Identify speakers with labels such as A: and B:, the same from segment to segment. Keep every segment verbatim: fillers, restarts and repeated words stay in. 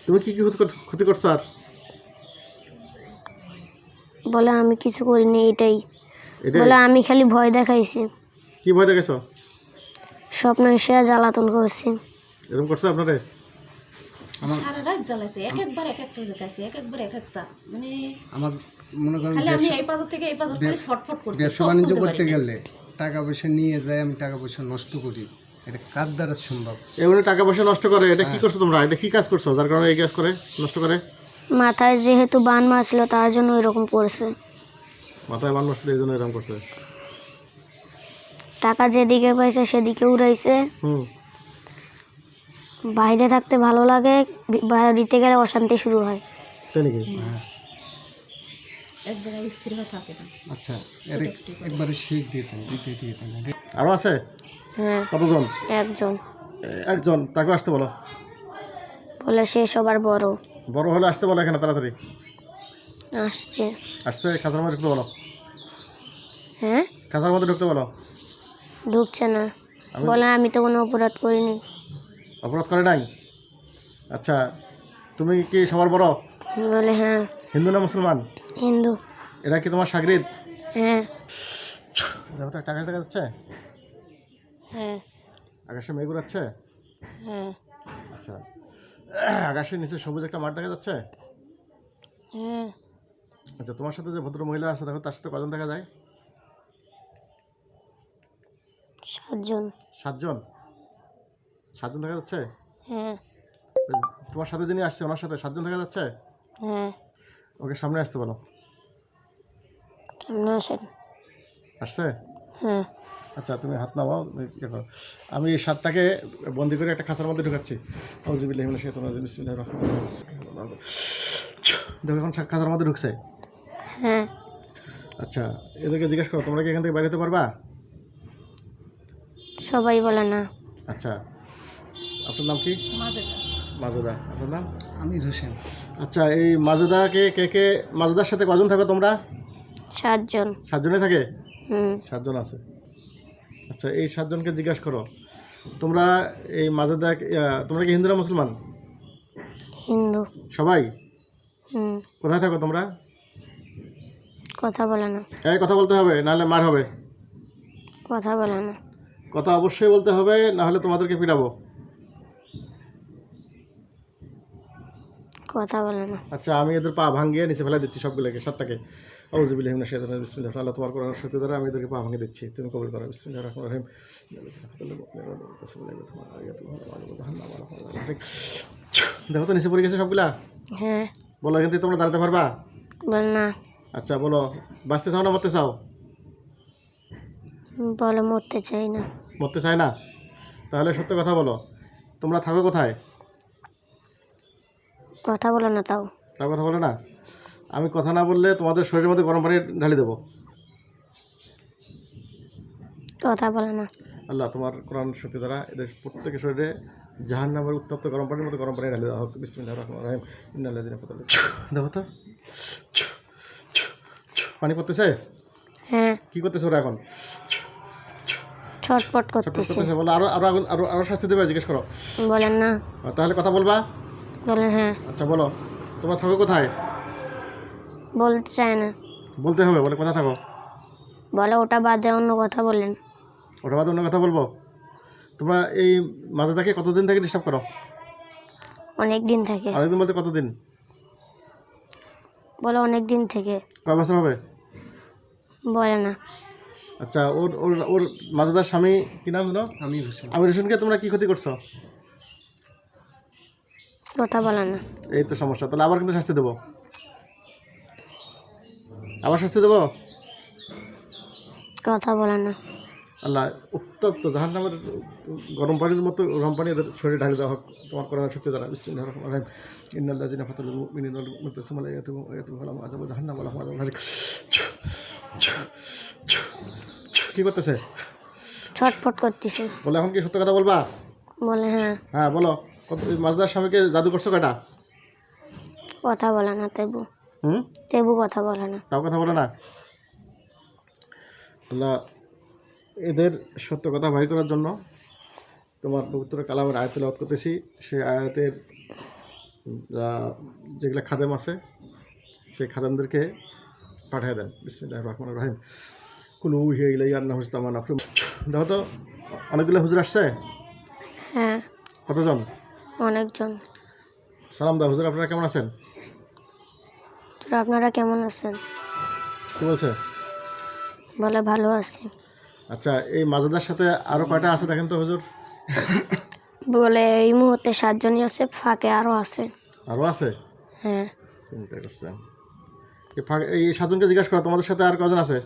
A: তুমি কি কি ক্ষতি কর- ক্ষতি করছো আর
B: বলে আমি কিছু করিনি, এটাই
A: এটাই
B: বলে আমি খালি ভয় দেখাইছি,
A: কি ভয় দেখেছো?
B: স্বপ্ন সে জ্বালাতন করছি।
A: এরকম করছো আপনারে?
C: সারা রাত জ্বালাইছে, এক একবার এক একটা দেখাইছে, এক একবার এক একটা, মানে
D: আমার মনে করেন
C: খালি আমি
D: ব্যবসা-
C: এই পাথর থেকে এই পাথর খালি ছটফট করছি,
D: ব্যবসা
C: চোখ
D: বাণিজ্য
C: খুলতে
D: করতে
C: পারি না।
D: গেলে টাকা পয়সা নিয়ে যাই, আমি টাকা পয়সা নষ্ট করি, এটা কার দ্বারা সম্ভব?
A: এগুলো টাকা পয়সা নষ্ট করে, এটা কি করছো তোমরা? এটা কি কাজ করছো যার কারণে এই কাজ করে নষ্ট করে?
B: মাথায় যেহেতু বান মারছিল তার জন্য এরকম করছে।
A: মাথায় বান মারছিল এই জন্য এরকম করছে।
B: টাকা যেদিকে পাইছে সেদিকে উড়াইছে।
A: হুম।
B: বাইরে থাকতে ভালো লাগে, বি- বাড়িতে গেলে অশান্তি শুরু হয়।
A: তাই নাকি?
C: এক জায়গায় স্থির হয়ে থাকে না।
D: আচ্ছা, এর একবারে শেষ দিয়ে দেন, দিতে দিয়ে দেন।
A: আরো আছে?
B: হ্যাঁ,
A: কতজন?
B: একজন।
A: একজন, তাকে আসতে বলো।
B: বলে সে সবার বড়।
A: বড় হলে আসতে বলো এখানে তাড়াতাড়ি।
B: আসছে।
A: আসছে, খাঁচার মধ্যে ঢুকতে বলো।
B: হ্যাঁ,
A: খাঁচার মধ্যে ঢুকতে বলো।
B: ঢুকছে না,
A: আমি-
B: বলে আমি তো কোনো অপরাধ করিনি।
A: অপরাধ করে নাই? আচ্ছা, তুমি কি সবার বড়?
B: বলে হ্যাঁ।
A: হিন্দু না মুসলমান?
B: হিন্দু।
A: এরা কি তোমার সাগরিদ?
B: হ্যাঁ।
A: দেখো তো, একটা আকাশ দেখা যাচ্ছে?
B: হ্যাঁ।
A: আকাশে মেঘ উড়াচ্ছে?
B: হ্যাঁ।
A: আচ্ছা, আকাশের নিচে সবুজ একটা মাঠ দেখা যাচ্ছে?
B: হ্যাঁ।
A: আচ্ছা, তোমার সাথে যে ভদ্র মহিলা আছে দেখো, তার সাথে কজন দেখা যায়?
B: সাতজন।
A: সাতজন? সাতজন দেখা যাচ্ছে?
B: হ্যাঁ।
A: তোমার সাথে যিনি আসছে ওনার সাথে সাতজন দেখা যাচ্ছে?
B: হ্যাঁ।
A: ওকে সামনে আসতে বলো।
B: কেমন আসেন?
A: আসছে?
B: হ্যাঁ।
A: আচ্ছা, তুমি হাত নামাও, ইয়ে করো। আমি এই সাতটাকে বন্দি করে একটা খাঁচার মধ্যে ঢুকাচ্ছি। আউযুবিল্লাহি মিনাশ শাইতানির রাজিম, বিসমিল্লাহির রহমানির রহিম। দেখো, এখন খাঁচার মধ্যে ঢুকছে।
B: হ্যাঁ।
A: আচ্ছা, এদেরকে জিজ্ঞেস করো, তোমরা কি এখান থেকে বাইরে হতে পারবা?
B: সবাই বলে না।
A: আচ্ছা, আপনার নাম কি?
C: মাজেদা।
A: মাজেদা। আপনার নাম?
D: আমি হোসেন।
A: আচ্ছা, এই মাজেদাকে কে কে, মাজেদার সাথে কজন থাকো তোমরা?
B: সাতজন।
A: সাতজনে থাকে?
B: হুম।
A: সাতজন আছে। আচ্ছা, এই সাতজনকে জিজ্ঞাসা করো, তোমরা এই মাজেদা, তোমরা কি হিন্দু না মুসলমান?
B: হিন্দু।
A: সবাই?
B: হুম।
A: কোথায় থাকো তোমরা?
B: কথা বলে না।
A: এই কথা বলতে হবে, নাহলে মার হবে।
B: কথা বলে না।
A: কথা অবশ্যই বলতে হবে, নাহলে তোমাদেরকে পিটাবো।
B: কথা বলে না।
A: আচ্ছা, আমি এদের পা ভাঙিয়ে নিচে ফেলে দিচ্ছি সবগুলোকে, সাতটাকে। আউযুবিল্লাহি মিনাশ শাইতানির রাজিম, বিসমিল্লাহ। আল্লাহ তোমার কোরআনের শক্তি দ্বারা আমি এদেরকে পা ভাঙিয়ে দিচ্ছি, তুমি কবুল করো। বিসমিল্লাহির রহমানির রহিম। দেখো তো, নিচে পড়ে গেছে সবগুলা।
B: হ্যাঁ।
A: বলো, এখান থেকে তোমরা দাঁড়াতে পারবা?
B: বলে না।
A: আচ্ছা, বলো, বাঁচতে চাও না মরতে চাও?
B: বলে মরতে চাই না।
A: মরতে চায় না? তাহলে সত্য কথা বলো, তোমরা থাকো কোথায়?
B: কথা বলে না তাও।
A: তার কথা বলে না? আমি কথা না বললে তোমাদের শরীরের মধ্যে গরম পানি ঢালি দেবো।
B: কথা বলে না।
A: আল্লাহ তোমার কোরআন শক্তি দ্বারা এদের প্রত্যেকের শরীরে জাহান্নামের উত্তপ্ত গরম পানির মতো গরম পানি ঢালি দেওয়া হোক। বিসমিল্লাহির রহমানির রহিম। ইন্নাল্লাযিনা ফাতালু। দেখো তো, পানি পড়তেছে?
B: হ্যাঁ।
A: কি করতেছে ওরা এখন?
B: ছটপট
A: ছটফট
B: করতেছে।
A: করতেছে। বলো, আরো আরো আগুন, আরো আরো শাস্তি দেবে? জিজ্ঞেস করো।
B: বলেন না।
A: তাহলে কথা বলবা?
B: বলেন হ্যাঁ।
A: আচ্ছা, বলো, তোমরা থাকো কোথায়?
B: বলতে চায় না।
A: বলতে হবে, বলে কোথায় থাকো?
B: বলে ওটা বাদে অন্য কথা বলেন।
A: ওটা বাদ অন্য কথা বলবো? তোমরা এই মাজেদাকে কতদিন থেকে ডিস্টার্ব করো?
B: অনেক দিন থেকে।
A: অনেকদিন বলতে কতদিন?
B: বলে অনেক দিন থেকে।
A: কয় বছর হবে?
B: বলে না।
A: আচ্ছা, ওর ওর ওর মাজেদার স্বামী কি নাম জানো?
D: আমি হোসেন।
A: আমির হোসেনকে তোমরা কি ক্ষতি করছো?
B: কথা বলে না।
A: এই তো সমস্যা। তাহলে আবার কিন্তু শাস্তি দেবো, আবার শাস্তি দেবো।
B: কথা বলে না।
A: আল্লাহ উত্তপ্ত জাহান্নামের গরম পানির মতো গরম পানি এদের শরীরে ঢালি দেওয়া হোক তোমার কোরআনের শক্তি দ্বারা। বিসমিল্লাহির রহমানির রহিম। ইন্নাল্লাযিনা ফাতানুল মুমিনিনা ওয়াল মুতাসিমা লা ইয়াতুমু আয়াতুহু লাহুম আযাবু জাহান্নাম ওয়া লাহুম আযাবুন হারিক। কি করতেছে?
B: ছটফট করতেছে।
A: বলে, এখন কি সত্য কথা বলবা?
B: বলে হ্যাঁ।
A: হ্যাঁ, বলো, মাজদার স্বামীকে জাদু করছো কয়টা?
B: কথা বলে না তেবু।
A: হুম।
B: তেবু কথা বলে না।
A: তাও কথা বলে না? আল্লাহ এদের সত্য কথা বাহির করার জন্য তোমার পবিত্র কালামের আয়াত তেলাওয়াত করতেছি। সেই আয়াতের আহ, যেগুলো খাদেম আছে সেই খাদেমদেরকে পাঠিয়ে দেন। বিসমিল্লাহির রহমানির রহিম। কুলু হিয়া ইলাইয়া আন্না হুস্তামান আফরুম। দেখো তো অনেকগুলো হুজুর আসছে।
B: হ্যাঁ,
A: কতজন?
B: অনেকজন।
A: সালাম দাও হুজুর, আপনারা কেমন আছেন?
B: তো আপনারা কেমন আছেন?
A: কি বলছে?
B: বলে ভালো আছি।
A: আচ্ছা, এই মাজাদার সাথে আরও কয়টা আছে দেখেন তো হুজুর?
B: বলে এই মুহূর্তে সাতজনই আছে, ফাঁকে আরও আছে।
A: আরও আছে?
B: হ্যাঁ,
A: চিন্তা করছেন। এই ফাঁক- এই সাতজনকে জিজ্ঞাসা করো তোমাদের সাথে আর কজন আছে?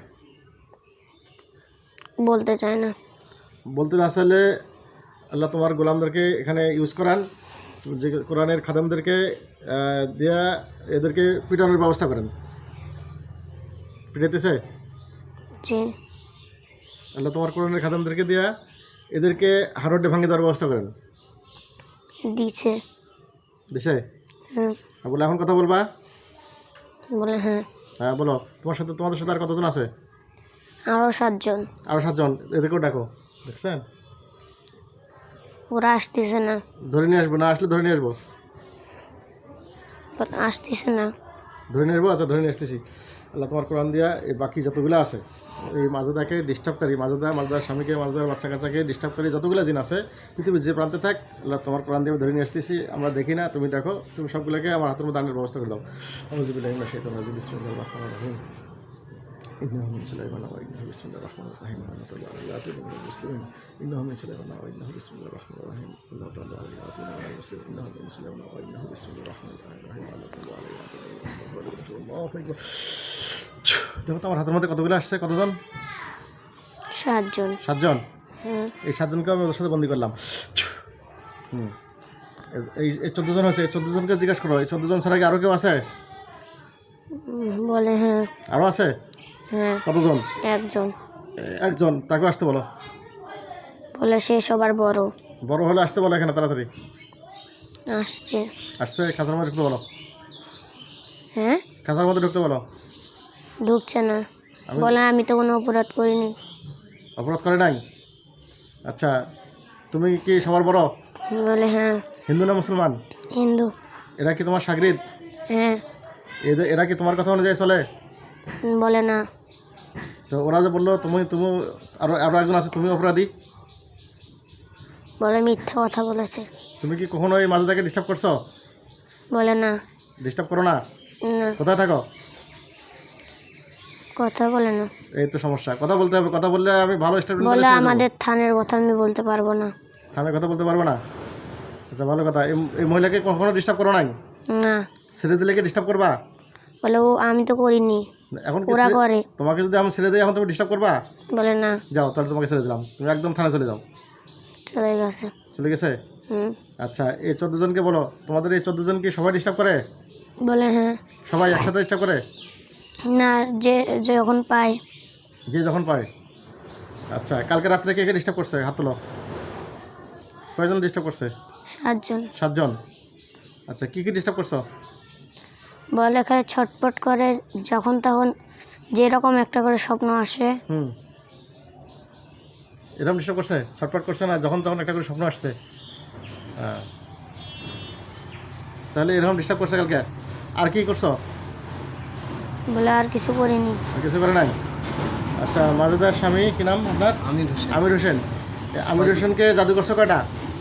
B: বলতে চায় না।
A: বলতে না চাইলে আল্লাহ তোমার গোলামদেরকে এখানে ইউজ করান, যে কোরআনের খাদেমদেরকে আহ, দিয়া এদেরকে পিটানোর ব্যবস্থা করেন। পিটাইতেছে
B: জি,
A: আল্লাহ তোমার কোরআনের খাদেমদেরকে দিয়া এদেরকে হারডে ভাঙিয়ে দেওয়ার ব্যবস্থা করেন।
B: দিছে।
A: দিছে?
B: হ্যাঁ,
A: আর বলে এখন কথা বলবা?
B: বলে হ্যাঁ।
A: হ্যাঁ বলো, তোমার সাথে তোমাদের সাথে আর কতজন আছে?
B: আরও সাতজন।
A: আরও সাতজন, এদেরকেও ডাকো। দেখছেন?
B: ওরা আসতেছে না।
A: ধরে নিয়ে আসবো? না আসলে ধরে নিয়ে আসবো।
B: বলে আসতেছে না।
A: ধরে নিয়ে আসবো? আচ্ছা ধরে নিয়ে আসতেছি। আল্লাহ তোমার কোরআন দিয়া এই বাকি যতগুলো আছে, এই মাজদাকে ডিস্টার্বকারী, মাজদা মাজদার স্বামীকে, মাজদার বাচ্চা কাচ্চাকে ডিস্টার্বকারী যতগুলো জিন আছে পৃথিবীর যে প্রান্তে থাক, আল্লাহ তোমার কোরআন দিয়ে ধরে নিয়ে আসতেছি। আমরা দেখি না, তুমি দেখো, তুমি সবগুলোকে আমার হাতের মধ্যে দানের ব্যবস্থা করে দাও। আউযুবিল্লাহি মিনাশ শাইতানির রাজিম। বিসমিল্লাহির রহমানির রহিম। إنه من سليمان وإنه بسم الله الرحمن الرحيم. اللهم صل على سيدنا محمد المسلمين. إنه من سليمان وإنه بسم الله الرحمن الرحيم. اللهم صل على سيدنا محمد المسلمين. إنه من سليمان وإنه بسم الله الرحمن الرحيم. اللهم صل على سيدنا محمد المسلمين. দেখো তো আমার হাতের মধ্যে কতগুলো আসছে? কতজন?
B: সাতজন।
A: সাতজন।
B: হ্যাঁ,
A: এই সাতজনকে আমি ওদের সাথে বন্দি করলাম। হুম, এই এই চোদ্দো জন আছে। এই চোদ্দো জনকে জিজ্ঞাসা করো, এই চোদ্দো জন ছাড়া কি আরও কেউ আছে?
B: উম, বলে হ্যাঁ।
A: আরও আছে?
B: হ্যাঁ,
A: কতজন?
B: একজন।
A: একজন, তাকে আসতে বলো।
B: বলে সে সবার বড়।
A: বড় হলে আসতে বলো এখানে তাড়াতাড়ি।
B: আসছে।
A: আসছে, খাঁচার মধ্যে ঢুকতে বলো।
B: হ্যাঁ,
A: খাঁচার মধ্যে ঢুকতে বলো।
B: ঢুকছে না।
A: আমি-
B: বলে আমি তো কোনো অপরাধ করিনি।
A: অপরাধ করে নাই? আচ্ছা, তুমি কি সবার বড়?
B: বলে হ্যাঁ।
A: হিন্দু না মুসলমান?
B: হিন্দু।
A: এরা কি তোমার সাগরিদ?
B: হ্যাঁ।
A: এদের এরা কি তোমার কথা অনুযায়ী চলে?
B: বলে না।
A: তো ওরা যে বললো তুমি তুমি আরও আরও একজন আছে, তুমি অপরাধী।
B: বলে মিথ্যা কথা বলেছে।
A: তুমি কি কখনো এই মাজদাকে ডিস্টার্ব করছো?
B: বলে না।
A: ডিস্টার্ব করো না?
B: না,
A: কোথায় থাকো?
B: কথা বলে না।
A: এই তো সমস্যা, কথা বলতে হবে। কথা বললে আমি ভালো স্টুডেন্ট
B: বলে আমাদের থানের কথা আমি বলতে পারবো না।
A: থানায় কথা বলতে পারবো না? আচ্ছা ভালো কথা। এই এই মহিলাকে কখনো ডিস্টার্ব করো নাই?
B: না।
A: ছেড়ে দিলে কি ডিস্টার্ব করবা?
B: বলে ও আমি তো করিনি,
A: এখন কি
B: ওরা
A: ছেড়ে-
B: করে।
A: তোমাকে যদি আমি ছেড়ে দিই এখন তুমি ডিস্টার্ব করবা?
B: বলে না।
A: যাও তাহলে, তোমাকে ছেড়ে দিলাম, তুমি একদম থানায় চলে যাও।
B: চলে গেছে।
A: চলে গেছে?
B: হুম।
A: আচ্ছা, এই চোদ্দো জনকে বলো, তোমাদের এই চোদ্দো জন কি সবাই ডিস্টার্ব করে?
B: বলে হ্যাঁ।
A: সবাই একসাথে ডিস্টার্ব করে?
B: না, যে যে যখন পায়।
A: যে যখন পায়। আচ্ছা, কালকে রাত্রে কে কে ডিস্টার্ব করছে? হাত তোলো। কয়জন ডিস্টার্ব করছে?
B: সাতজন।
A: সাতজন। আচ্ছা, কী কী ডিস্টার্ব করছো?
B: বলে এখানে ছটপট করে, যখন তখন যেরকম একটা করে স্বপ্ন আসে।
A: হুম, এরকম ডিস্টার্ব করছে? ছটপট করছে না, যখন তখন একটা করে স্বপ্ন আসছে? হ্যাঁ, তাহলে এরকম ডিস্টার্ব করছে কালকে। আর কি করছো?
B: বলে আর কিছু করিনি।
A: আর কিছু করে নাই? আচ্ছা, মাজেদার স্বামী কি নাম আপনার?
D: আমির হোসেন।
A: আমির হোসেন। এই আমির হোসেনকে জাদু করছো কয়টা?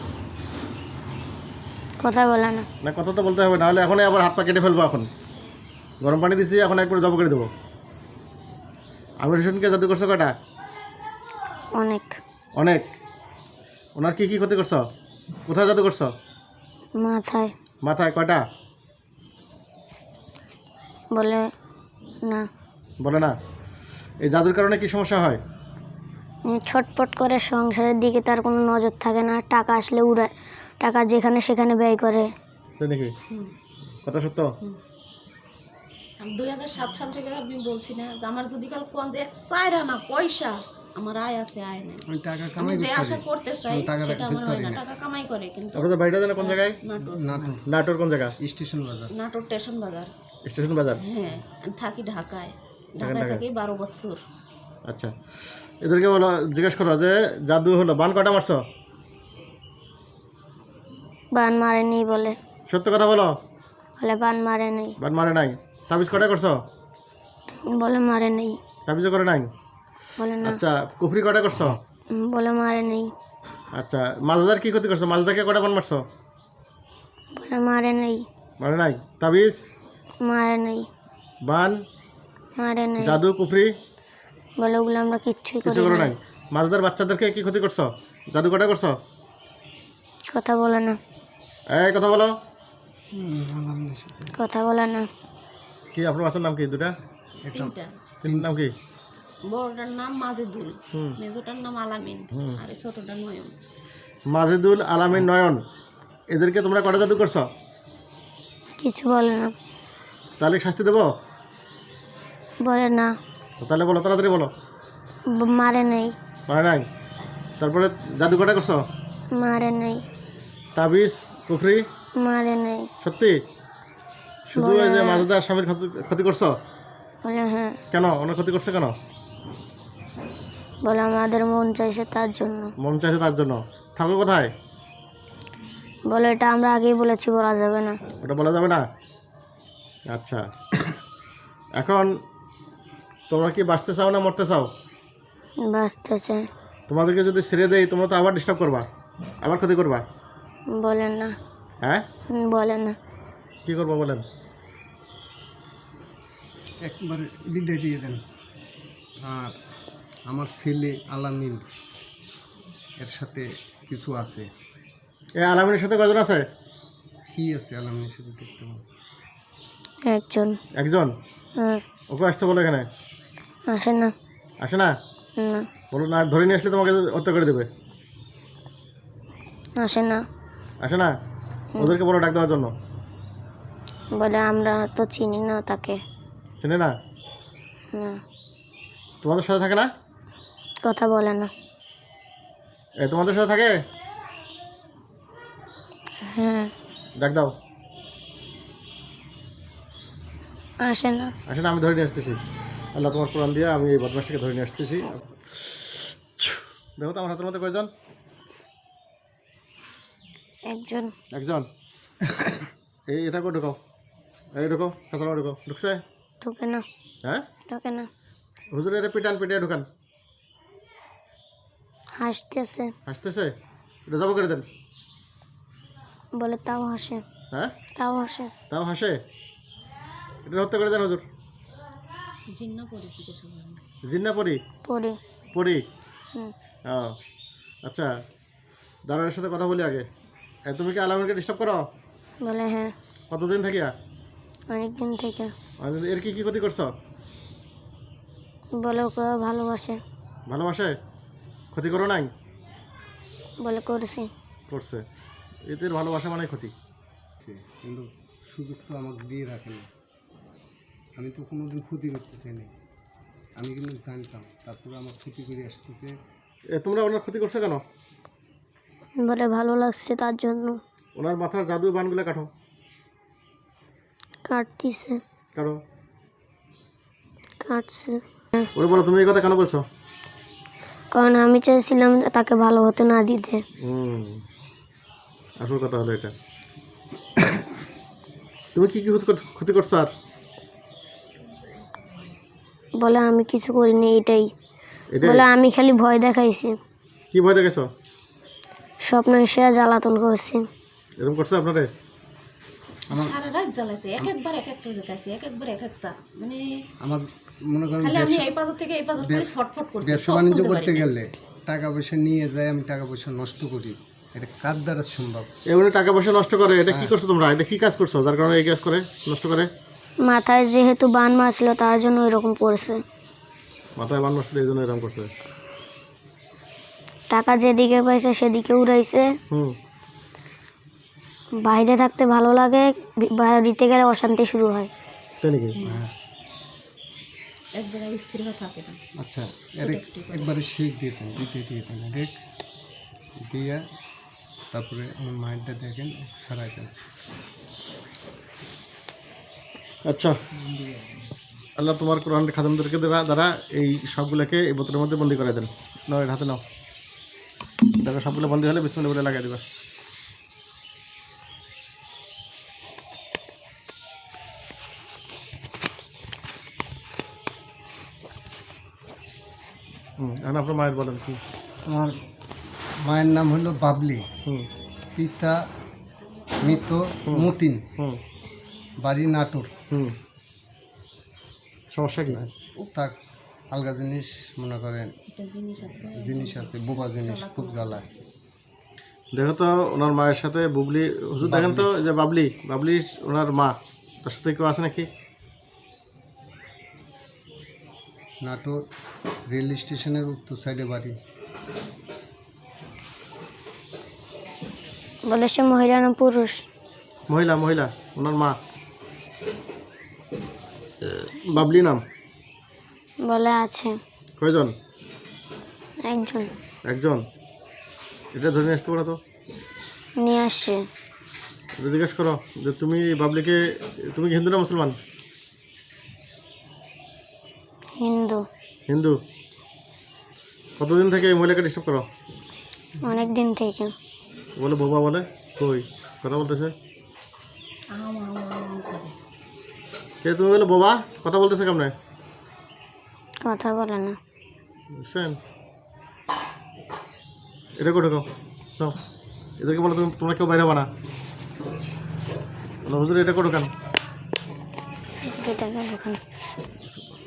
B: কথা বলে না।
A: না, কথা তো বলতে হবে, নাহলে এখনই আবার হাত পা কেটে ফেলবো। এখন গরম পানি দিছি, এখন একবার জব করে দেবো। আমির হোসেনকে জাদু করছো কয়টা?
B: অনেক।
A: অনেক। ওনার কি কি ক্ষতি করছো? কোথায় জাদু করছো?
B: মাথায়।
A: মাথায় কয়টা?
B: বলে না।
A: বলে না। এই জাদুর কারণে কি সমস্যা হয়?
B: উম, ছটপট করে, সংসারের দিকে তার কোনো নজর থাকে না, টাকা আসলে উড়ায়, টাকা যেখানে সেখানে ব্যয় করে।
A: তাই নাকি? কথা সত্য?
C: আমি দুই হাজার সাত সাল থেকে আমি বলছি না যে আমার যদি কাল কোন যে চাইরা না পয়সা, আমার আয় আছে আয় নাই,
D: আমি টাকা
C: আমি
D: কামাই
C: যে
D: করতে
C: আশা
D: পারি।
C: করতে চাই
D: আমি টাকা
C: সেটা আমার
D: রাখতে
C: হয় না।
D: পারি না।
C: টাকা কামাই করে কিন্তু
A: আপনাদের বাড়িটা জানে কোন জায়গায়?
C: নাটোর
D: নাটোর
A: নাটোর কোন জায়গা?
D: স্টেশন বাজার।
C: নাটোর স্টেশন বাজার।
A: স্টেশন বাজার।
C: হ্যাঁ, আমি থাকি ঢাকায়। ঢাকায়
A: ঢাকায়।
C: থাকি বারো বছর।
A: আচ্ছা, এদেরকে বলো, জিজ্ঞেস করো যে জাদু হলো, বান কটা মারছো?
B: বান মারেনি বলে।
A: সত্য কথা বলো।
B: বলে বান মারে নেই।
A: বান মারে নাই। তাবিজ কটা করছো?
B: বলে মারে নেই।
A: তাবিজও করে নাই।
B: বলে না।
A: আচ্ছা, কুফরি কটা করছো?
B: বলে মারে নেই।
A: আচ্ছা, মালদার কি ক্ষতি করছো? মালদাকে কটা বান মারছো?
B: বলে মারে নেই।
A: মারে নাই। তাবিজ?
B: মারে নেই।
A: বান?
B: মারে নেই।
A: জাদু, কুফরি?
B: বলে ওগুলো আমরা কিচ্ছুই
A: কিছু
B: করি
A: করো
B: না।
A: নাই। মালদার বাচ্চাদেরকে কি ক্ষতি করছো? জাদু কটা করছো?
B: কথা বলে না।
A: এই কথা বলো।
D: হুম, আলামিনের সাথে
B: কথা বলে না।
A: কি আপনার বাচ্চার নাম কি? দুটা
C: তিনটা।
A: তিন নাম কি?
C: বড়টার নাম মাজেদুল,
A: হুম।
C: মেজোটার নাম আলামিন,
A: হুম।
C: আর এই ছোটটা নয়ন।
A: মাজেদুল, আলামিন, নয়ন, এদেরকে তোমরা কটা জাদু করছো?
B: কিছু বলে না।
A: তাহলে শাস্তি দেবো?
B: বলে না।
A: তাহলে বলো, তাড়াতাড়ি বলো।
B: ব- মারে নেই।
A: মারে নাই। তারপরে জাদু কটা করছো?
B: মারে নেই।
A: তাবিজ, কুফরি?
B: মারে নেই।
A: সত্যি? শুধু
B: বলে
A: ওই যে
B: না।
A: মাজেদার স্বামীর ক্ষতি- ক্ষতি করছো?
B: বলে হ্যাঁ।
A: কেন? ওনার ক্ষতি করছে কেন?
B: বলে আমাদের মন চাইছে তার জন্য।
A: মন চাইছে তার জন্য। থাকো কোথায়?
B: বলে এটা আমরা আগেই বলেছি, বলা যাবে না।
A: ওটা বলা যাবে না? আচ্ছা, এখন তোমরা কি বাঁচতে চাও না মরতে চাও?
B: বাঁচতেছে।
A: তোমাদেরকে যদি ছেড়ে দেই তোমরা তো আবার ডিস্টার্ব করবা, আবার ক্ষতি করবা।
B: বলে না।
A: হ্যাঁ,
B: হুম, বলে না।
A: কি করবো বলেন?
D: একবারে বিদায় দিয়ে দেন। আর আমার ছেলে আলামিন এর সাথে কিছু আছে।
A: এই আলামিনের সাথে কজন আছে?
D: কি আছে আলামিনের সাথে দেখতে পাবো?
B: একজন।
A: একজন।
B: হ্যাঁ।
A: ওকে আসতে বলো এখানে।
B: আসে না।
A: আসে না?
B: না।
A: বলো না, ধরে নিয়ে আসলে তোমাকে হত্যা করে দেবে।
B: আসে না।
A: আসে না? ওদেরকে বলো ডাক দেওয়ার জন্য।
B: বলে আমরা তো চিনি না তাকে।
A: চেনে না?
B: না।
A: তোমাদের সাথে থাকে না?
B: কথা বলে না।
A: এ তোমাদের সাথে থাকে?
B: হ্যাঁ।
A: ডাক দাও।
B: আসে না।
A: আসে না? আমি ধরে নিয়ে আসতেছি। আল্লাহ তোমার কোরআন দিয়ে আমি এই বদমাসটাকে ধরে নিয়ে আসতেছি। দেখো তো আমার হাতের মধ্যে কয়জন?
B: একজন।
A: একজন। এই এটা করে ঢুকাও। এই ঢুকাও, খাঁচার ঢুকাও। ঢুকছে?
B: ঢোকে না।
A: হ্যাঁ,
B: ঢোকে না।
A: হুজুর এটা পিটান, পিটিয়ে ঢুকান।
B: হাসতেছে।
A: হাসতেছে? এটা জব করে দেন।
B: বলে তাও হাসে।
A: হ্যাঁ,
B: তাও হাসে।
A: তাও হাসে? এটা হত্যা করে দেন হুজুর।
C: জিন্না পরে জিজ্ঞাসা করেন।
A: জিন্না পরি?
B: পড়ি।
A: পরি?
B: হুম।
A: ও আচ্ছা, দারোয়ানের সাথে কথা বলি আগে। এ, তুমি কি আলামিনকে ডিস্টার্ব করো?
B: বলে হ্যাঁ।
A: কতদিন থাকিয়া?
B: অনেকদিন থেকে।
A: মানে এর কি কি ক্ষতি করছো?
B: বলে ওকে ভালোবাসে।
A: ভালোবাসে? ক্ষতি করো নাই?
B: বলে করেছি।
A: করছে। এদের ভালোবাসা মানে ক্ষতি।
D: কিন্তু সুযোগ তো আমাকে দিয়ে রাখে না। আমি তো কোনোদিন ক্ষতি করতে চাই না। আমি কিন্তু জানতাম, তারপরে আমার ক্ষতি করে আসতেছে।
A: এ, তোমরা ওনার ক্ষতি করছো কেন?
B: বলে ভালো লাগছে তার জন্য।
A: ওনার মাথার জাদু বানগুলো কাটো।
B: কাটতিছে।
A: কাটো।
B: কাটছে।
A: ওরে বলো, তুমি এই কথা কেন বলছো?
B: কারণ আমি চাইছিলাম তাকে ভালো হতে না দিতে।
A: হুম, আসল কথা হলো এটা। তুমি কি কি ক্ষতি কর- ক্ষতি করছো আর?
B: বলে আমি কিছু করিনি, এটাই।
A: এটাই?
B: বলে আমি খালি ভয় দেখাইছি।
A: কি ভয় দেখেছো?
B: স্বপ্ন সেরা জ্বালাতন করছি।
A: এরকম করছে আপনারে?
C: সারা রাত জ্বালাইছে, এক একবার এক একটা দেখাইছে, এক একবার এক একটা, মানে
D: আমার মনে করেন
C: খালি আমি
D: ব্যবসা-
C: এই পাজর থেকে এই পাজর করে ছটফট করছি,
D: ব্যবসা
C: সব
D: বাণিজ্য
C: খুলতে
D: করতে
C: পারি না।
D: গেলে টাকা পয়সা নিয়ে যায়, আমি টাকা পয়সা নষ্ট করি। এটা কার দ্বারা সম্ভব?
A: এমনি টাকা পয়সা নষ্ট করে, এটা কি করছো তোমরা? এটা কি কাজ করছো যার কারণে এই কাজ করে, নষ্ট করে?
B: মাথায় যেহেতু বান মারছিল তার জন্য এরকম পড়েছে।
A: মাথায় বান নষ্ট, এই জন্য এরকম করছে।
B: টাকা যেদিকে পাইছে সেদিকে উড়াইছে।
A: হুম।
B: বাইরে থাকতে ভালো লাগে, বি- বাড়িতে গেলে অশান্তি শুরু হয়।
A: তাই নাকি?
C: এক জায়গায় স্থির হয়ে থাকে না।
D: আচ্ছা, এর একবারে শেষ দিয়ে দেন, দিতে দিয়ে দেন রেখ দিয়া, তারপরে আমার মায়েরটা দেখেন সারাই দেন।
A: আচ্ছা, আল্লাহ তোমার কোরআন খাদেমদেরকে দ্বারা দ্বারা এই সবগুলোকে এই বোতলের মধ্যে বন্দি করে দেন। নাও, এর হাতে নাও। দেখো সবগুলো বন্দি হলে বিসমিল্লাহ বলে লাগিয়ে দেবা। হুম এখন আপনার মায়ের বলেন কি?
D: আমার মায়ের নাম হলো বাবলি,
A: হুম
D: পিতা মৃত মতিন,
A: হুম
D: বাড়ি নাটোর।
A: হুম সমস্যা কি?
D: তাক আলগা জিনিস মনে করেন,
C: একটা জিনিস আছে
D: জিনিস আছে, বোবা জিনিস, খুব জ্বালায়।
A: দেখো তো ওনার মায়ের সাথে বুবলি, হুজুর দেখেন তো যে বাবলি, বাবলি ওনার মা, তার সাথে কেউ আছে নাকি?
D: নাটোর রেল স্টেশনের উত্তর সাইডে বাড়ি।
B: বলে সে মহিলা না পুরুষ?
A: মহিলা, মহিলা, ওনার মা। বাবলি নাম।
B: বলে আছে
A: কয়জন?
B: একজন।
A: একজন। এটা ধরে নিয়ে আসতে পারো তো,
B: নিয়ে আসছে।
A: এটা জিজ্ঞেস করো যে তুমি বাবলিকে, তুমি কি হিন্দু না মুসলমান?
B: হিন্দু।
A: হিন্দু। কতদিন থেকে এই মহিলাকে ডিস্টার্ব করো?
B: অনেক দিন থেকে।
A: বলে বোবা বলে, কই কথা বলতেছে
C: আম আম আম করে।
A: কে? তুমি বলে বোবা, কথা বলতেছে কেমনে?
B: কথা বলে না।
A: বুঝছেন? এটা করে ঢোকাও, নাও। এদেরকে বলো তুমি, তোমরা কেউ বাইরে হবা না। বলো, হুজুর এটা করে ঢোকান।
B: দুটাকে ওখানে